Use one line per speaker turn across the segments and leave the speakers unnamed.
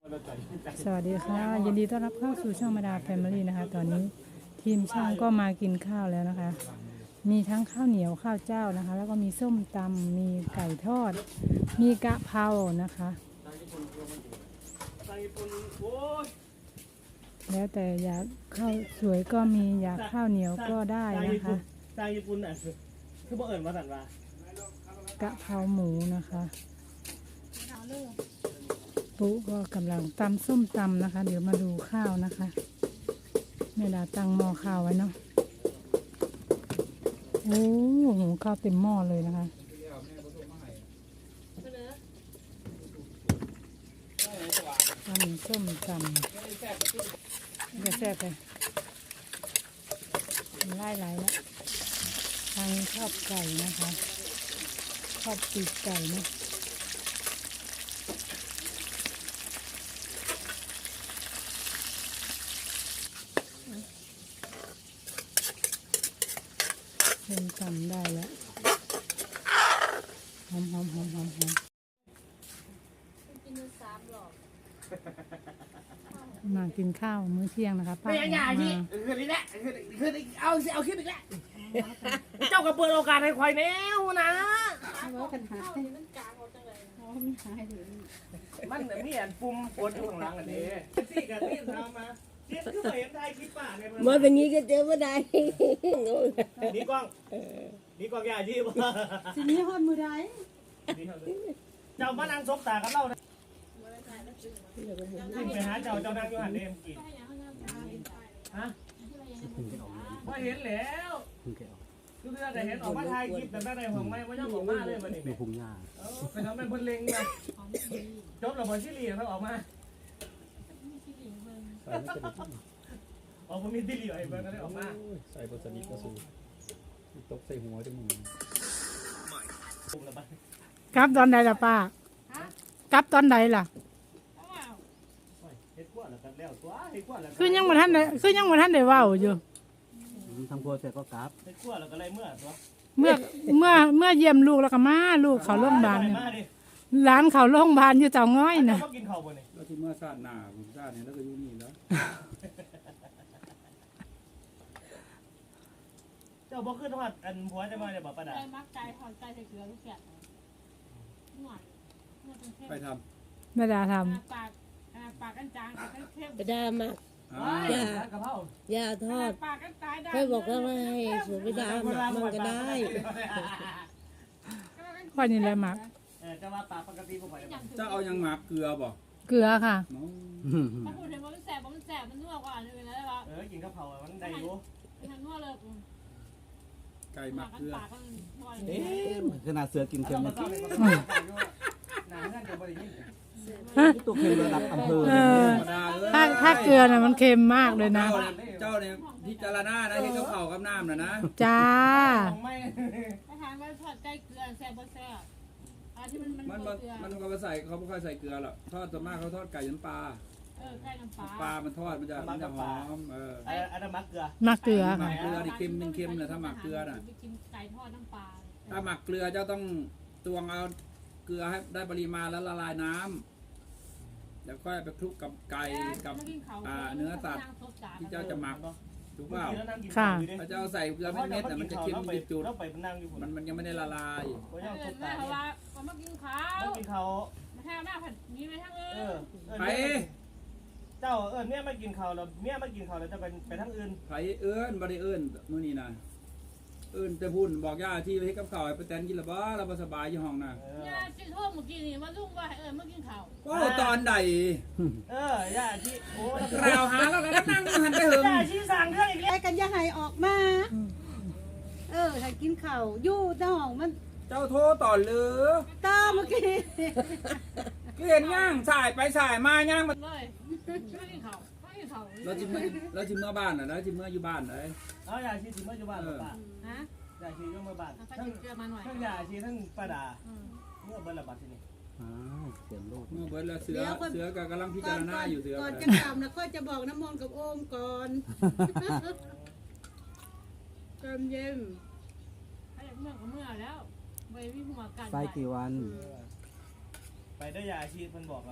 สวัสดีค่ะยินดีต้อนรับเข้าสู่ช่องมาดาแฟมิลี่นะคะตอนนี้ทีมช่างก็มากินข้าวแล้วนะคะ มีทั้งข้าวเหนียวข้าวเจ้านะคะ แล้วก็มีส้มตำมีไก่ทอด มีกะเพรานะคะแล้วแต่อยากข้าวสวยก็มีอยากข้าวเหนียวก็ได้นะคะ
จางญี่ปุ่นอ่ะคือบ่เอิญมาสั่นว่าก
ะเพราหมูนะคะปุ๊ก็กำลังตำส้มตำนะคะ เดี๋ยวมาดูข้าวนะคะแม่ดาตั้งหม้อข้าวไว้เนาะโอ้โหข้าวเต็มหม้อเลยนะคะตำส้มตำจะแซ่บเลยไล่แล้วทางชอบไก่นะคะชอบปีกไก่นะเริ่มตำได้แล้วหอมมากินข้าวมื้อเที่ยงนะคะป้า
ไม่ยังไงที่คือนี่แหละคือเอาขึ้นอีกแล้วเจ้าก็เปิดโอกาสให้ควายแนวนะมันมีอันปุ่มปวดอยู่ข้างหลังอันนี้สี่กับที่ทำมาเรียนคือเห็นไทยคลิปป่าในเมื่อ
อย่างนี้ก็เจอไม่ได้
นี่กล้องใหญ่ที่ว่า
ทีนี้ฮอดมือใด
เจ้ามานั่งซบตากับเรานะไปหาเจ้านั่งอยู่หันเองกี่ฮะว่าเห็นแล้วคือเรื่องแต่เห็นออกมาถ่ายคลิปแต่ไม่ได้ห่วงไม่ย่อมออกมาเลยมันนี่เป็นพุ่งยาไปทำเป็นคนเล็งมาจบแล้วบอลชิลีเขาออกมาออกมามีติลีไอ้เบิร์ดก็ได้ออกมา
ใส่บสนิทก็สูตกใส่หัวจมูก
กลับตอนใดล่ะป้ากลับตอนใดล่ะคือยังมาท่านได้เว้าอยู่
ทำครัวเสร็จก็กลับ
เฮ็ดขั้วแล้วก็เลยเมื่อตัว
เมื่อเยี่ยมลูกแล้วก็มาลูกเขาโรงพยาบาลเนี่ยร้านเขาโรงพยาบาลอยู่เจ้าง้อยนะ
กินข้าวบ่นี่
แล้วที่เมื่อชาติหน้าผมชาตินี้แล้วก็อยู่นี่แล้ว
เจ้าบ่ขึ้นทอดอันผัวจะมาได้บ่ป้าดา
มักไก่ทอดไก่ใส่เกลือลูกแกะหวาน
ไปท
แม่ดาท
ปากกันจางเข้ม
กระดามา
ำ
กะเพราย
าทอด
ปากกันตายได้
ค่อยบอกว่าให้สูตรกระดามันก็ได้
ข้อนี้แหละหมัก
จะว่าปากปกติบ่ค่อยได้
จะเอายังหมักเกลือบ่
เกลือค่ะ
ถ้าพูดถึงว่ามันแสบมันนัวกว่าเลยนะว่า
กินกะเพรามันได้อยู่
มันนัวเลย
ไก่หมักเกลือ
ขนาดเสือกินเค็ม
หนาเงื่อนจะบ่ได้ยิน
ตัวเค็มระดับอำเภอ
ถ้าเกลือน่ะมันเค็มมากเลยนะ
เจ้าเนี่ยพิจารณานะเห็นกับข้าวกับน้ำน่ะนะ
จ้า
ไม่
อาหารว่าทอดไก่เกลือแซ่บบ่แซ่บที่
มันก็มาใส่เขาไม่ค่อยใส่เกลือหรอกทอดส่วนมากเขาทอดไก่น้ำปลา
ไก่น้ำปลา
ปลามันทอดมันจะหอม
อันนั้นมักเกลือ
มักเกลือ
หมักเกลือนี่เค็มนะถ้าหมักเกลือน่ะ
กินไก่ทอดน้ำปลา
ถ้าหมักเกลือเจ้าต้องตวงเอาเกลือให้ได้ปริมาณแล้วละลายน้ำแล้วก็ไปคลุกกับไก่กับเนื้อสัตว์ที่เจ้าจะหมักถูกเปล่า
ค่ะ
ถ้าเจ้าใส่เกลือเม็ดๆแต่มันจะเค็มจุดมันยังไม่ได้ละลาย
แม่ว่ามากินข้าว
กินข้าว
มาแทงหน้าผัดนี้ไหมทั้ง
ไป
เจ้าเมียมากินข้าวแล้วเมียมากินข้าวแล้วจะไปทั้งอื่น
ไผบ่ได้มื้อนี้นะแต่พูดบอกย่าที่ไปให้กับข้าวไปแตนกินละบ่เราบ่สบายอยู่ห้องน่ะ
ย่ากินโทษเมื่อกี้นี่ว่าลุงว่ามากินข้าว
ว่าตอนใด
ย่าที่โอ้
เราหาแล้วก็นั่งหันไปเหิง
ย่าที่สั่งเรื่องอีกแล้ว
กันอย่าให้ออกมาให้กินข้าวอยู่เจ้าห้องมัน
เจ้าโทรต่อหรือ
ตาเมื่อกี้
เห็นย่างสายไปสายมาย่างมัน
เลยไม่กินข้าว
เราจิเมื่อบ้านน่ะนะจิเมื่ออยู่บ้านเลย
ย่าชีสิเมื่ออยู่บ้านหรือเปล่าย่าชีอยู่เมื่อบ้านทั้งย่าชีทั้งป้าดาเมื่อเบิ้ลระบาดที่นี่
เสียงลูก
เมื่อเบิ้ลแล้วเสือกับกำลังพิจารณาอยู่เสือ
ก่อนจะกลับนะค่อยจะบอกน้ำมนต์กับโอมก่อนตอนเย็น
เมื่อแล้วไปวิ่งหัวกัน
ไปกี่วัน
ไปได้ยาชีเพิ่นบอกเรา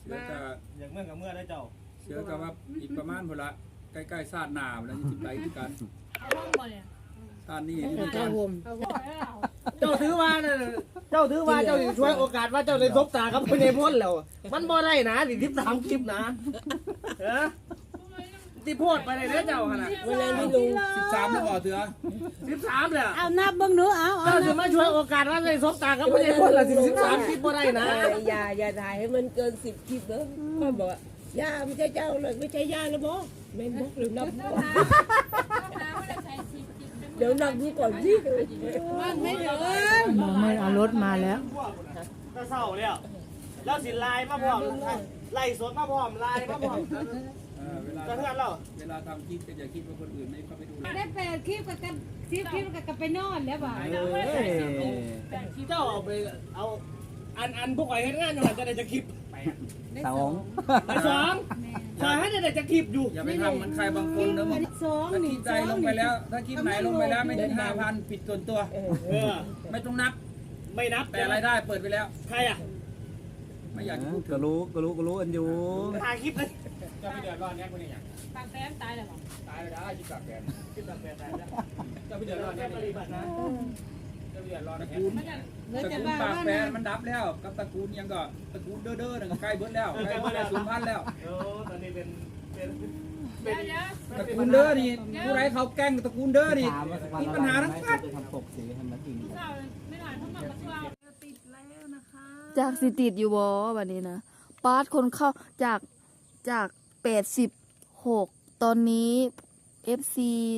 เสือกับ
อย่างเมื่อกับเมื่อได้เจ้า
เสือกับว่าอีกประมาณพอละใกล้ๆซาดหนาแล้วยี่สิบไรที่กัน
เอาห้องบ่เนี่ย
ซาดนี่
ผ้าห่ม
เอาบ่ได้เอา
เจ้าถือว่าน่ะเจ้าถือว่าเจ้าสิช่วยโอกาสว่าเจ้าได้ซบตากับพญพลแล้ว มันบ่ได้นะสิ13คลิปนะเออที่โพดไปเลยเด้อเจ้าหั่นน่ะ
เวลาไม่รู้
13แล้วบ่เสือ
13แล้ว
เอานับเบิ่งหนูเอา
เจ้าสิมาช่วยโอกาสว่าได้ซบตากับพญพลล่ะ13คลิปบ่ได้นะ
อย่าถ่ายให้มันเกิน10คลิปนะก็บอกว่าย่าไม่ใช่เจ้าเลยไม่ใช่ย่านะบอไม่บอกหรือนับ
หาว่าได้ใช้ชีวิต
เดี๋ยวนับดูก่อนสิ
มันไม่ถึง
มองไม่เอารถมาแล้ว
ก็เศร้าแล้วแล้วสิไลน์มาพร้อมไล่สดมาพร้อมไลน์มาพร้อม
เวลา
จะเพื่อนเรา
เวลาทำคลิปก็อย่าคิดว่าคนอื่นไม่เข้าไปดู
ได้8คลิปกับกัน10คลิปกับไปนอนแล้วบ่า
เจ้าเอาไปเอาอันพวกไอ้เฮ็ดงานอยู่หั่นจะได้จะคลิป
สอง
ไอ้สองขอให้ได้จะคลิปอยู่
อย่าไปทำเหมือนใครบางคนนะ
2
ถ้าคลิ
นี่
ปใดลงไปแล้ว ถ้าคลิปไหนลงไปแล้วไม่ถึง 5,000ผิดส่วนตัว
เออ
ไม่ต้องนับ
ไม่นับ
แต่รายได้เปิดไปแล้ว
ใครอ่ะ
ไม่อยากจะพูด
ก็รู้อันอยู่
ถ่ายคลิปเลย
จะไปเดือดร้อนแน่คนนี้อย่าง
ปากแป้มตายแล้วบ่
ตายไปได้คิดแบบแกน
คลิปแบบแบบไหนนะ
จะไปเดือดร้อนแน่
ปฏิบัตินะ
จะไปเดือดร้อน
ตระ
แน่
กูล
แล้ว
ตระ
จะ
กูล
ว่า
ปาก
ว่า
แปร
นะ
มันดับแล้วกับตระกูลยังก็ตระกูลเด้อๆนั่นก็ใกล้เบิดแล้วใกล้เบิดแล้ว0,000แล้ว
โอ้ตอนนี้เป็น
เดี๋ยว
ตระกูลเด้อนี่ผู้ไรเขาแกล้งตระกูลเด้อนี่
ถามว่าสักวัน
มีปัญหาทั้งนั้น
จะทำปกสีให้มันจริง
เจ้าไม่หลานเข้ามากับเรา
จากสิติดอยู่บอแบบนี้นะปาร์ตคนเข้าจาก86ตอนนี้ FC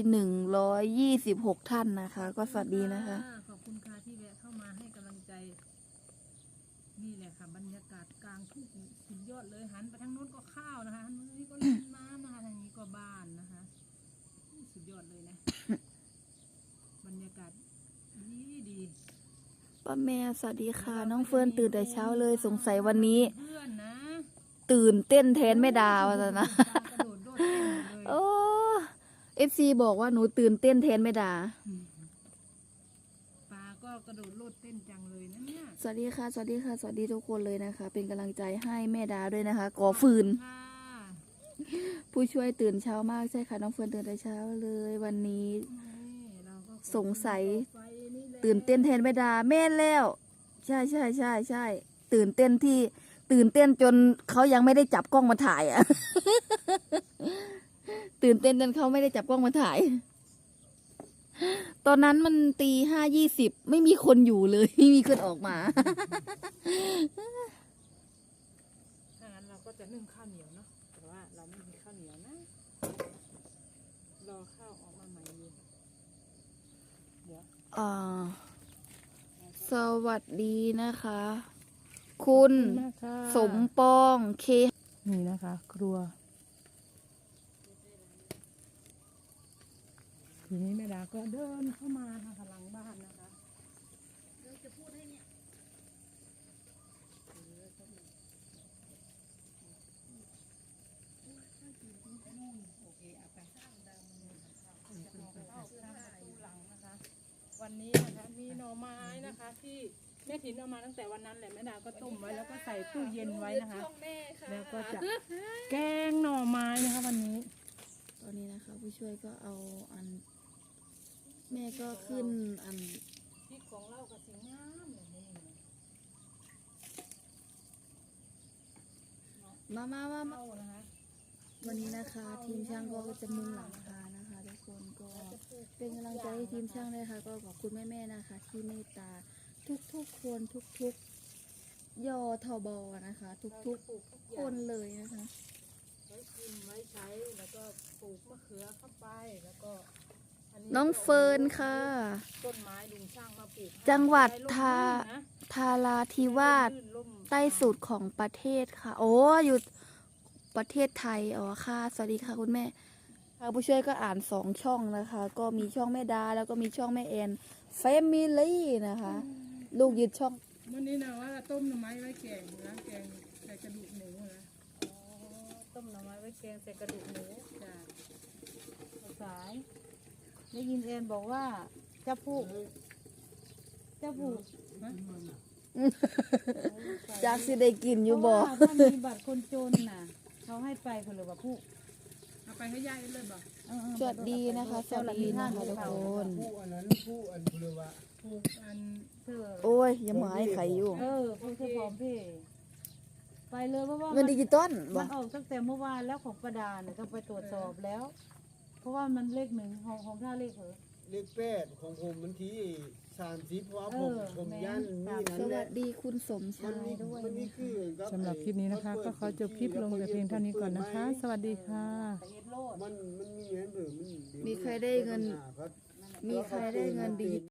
126ท่านนะคะ ก็สวัสดีนะคะ
ขอบคุณค่ะที่แวะเข้ามาให้กำลังใจ นี่แหละค่ะบรรยากาศกลางทุ่งสุดยอดเลยหันไปทางโน้นก็ข้าวนะคะทางนี้ก็ลำน้ำนะคะทางนี้ก็บ้านนะคะสุดยอดเลยนะ บรรยากาศดี
ป้าแม่สวัสดีค่ะ น้องเฟิร์นตื่นแต่เช้าเลยสงสัยวันนี้
เพื่อนนะ
ตื่นเต้นแทนแม่ดาวะนะ
กระโดดโดดเต้นหมดเลย
โอ้ FC บอกว่าหนูตื่นเต้นแทนแม่ดา
ปลาก็กระโดดโลดเต้นจังเลยนะเนี่ย
สวัสดีค่ะ สวัสดีค่ะ สวัสดีทุกคนเลยนะคะ เป็นกำลังใจให้แม่ดาด้วยนะคะก่อฟืน
ค่ะ
ผู้ช่วยตื่นเช้ามากใช่ค่ะน้องเฟิร์นตื่นแต่เช้าเลยวันนี้
นี่เราก็
สงสัย
ไฟนี่แหละ
ตื่นเต้นแทนแม่ดาแม่นแล้ว ใช่ตื่นเต้นจนเขายังไม่ได้จับกล้องมาถ่ายอ่ะ ตื่นเต้นจนเขาไม่ได้จับกล้องมาถ่าย ตอนนั้นมัน5:20ไม่มีคนอยู่เลย ไม่มีคนออกมา
ถ้างั้นเราก็จะนึ่งข้าวเหนียวเนาะแต่ว่าเราไม่มีข้าวเหนียวนะรอข้าวออกมาใหม่อยู่
สวัสดีนะคะ คุณ
นะคะ
สมปองเค
นี่นะคะ ครัวทีนี้แม่ดาก็เดินเข้ามาทางหลังบ้านนะคะวันนี้นะคะมีหน่อไม้นะคะที่แม่ถินเอามาตั้งแต่วันนั้นแหละแม่ดาก็ต้มไว้แล้วก็ใส่ตู้เย็นไว้นะคะ แล้วก็จะแกงหน่อไม้นะคะวันนี้
ตอนนี้นะคะ ผู้ช่วยก็เอาอัน แม่ก็ขึ้นอัน
พริกของเราก็สีงามแบบนี้
มา
เข้านะคะ
วันนี้นะคะ ทีมช่างก็จะมุงหลังคานะคะทุกคนก็เป็นกำลังใจให้ทีมช่างเลยค่ะ ก็ขอบคุณแม่ๆนะคะ ที่เมตตาทุกๆคนทุกๆยอทบนะคะ ทุกๆคนเลยนะคะ
ไว้กินไว้ใช้แล้วก็ปลูกมะเขือเข้าไปแล้วก็
น้องเฟิร์นค่ะ
ต้นไม้ลุงช่างมาปลูกให้
จังหวัด
ได้ร่ม
ทาราธิวาส
ลื่นร่ม
ใต้สุดของประเทศค่ะ โอ้อยู่ประเทศไทยอ๋อค่ะ สวัสดีค่ะคุณแม่ค่ะผู้ช่วยก็อ่าน2ช่องนะคะ ก็มีช่องแม่ดาแล้วก็มีช่องแม่แอนแฟมิลี่นะคะ ลูกยึดช่อง
วันนี้นะว่าต้มหน่อไม้ไว้แกงนะแกงใส่กระดูกหมูนะต้มหน่อไม้ไว้แกงใส่กระดูกหมูจ้ะสายได้ยินแอนบอกว่าจะผูกนะ
จากสิได้กินอยู่บ่
ถ้ามีบัตรคนจนน่ะเขาให้ไปคนหรือว่าผู้
เอาไปให้ยายเลยบ่
สวัสดีนะคะสวัสดีนะคะทุกคน
ผู้อันเธอ
โอ้ยยังหมายไข่อยู่
ผู้เธอพร้อมเพย์ไปเลยเพราะว่า
เงินดิจิตอลบ่
มันออกตั้งแต่เมื่อวานแล้วของประดาเนี่ยต้องไปตรวจสอบแล้ว เพราะว่ามันเลขหนึ่งของท่าเลขเหรอ
เลข8ของผมมันที่30เพราะว่าผม
แม่
ย่านนี่
ส
นั่นแห
วั
ละ
สดีคุณสมชายด้วย
มันนี่คือกับ
สำหรับคลิปนี้นะคะ ก็ขอจบคลิปลงแต่เพียงเท่านี้ก่อนนะคะ สวัสดีค่ะ
ไปเฮ็ดโลด
มันมีเงินหรือมัน
มีใครได้เงิน มีใครได้เงินดิจิ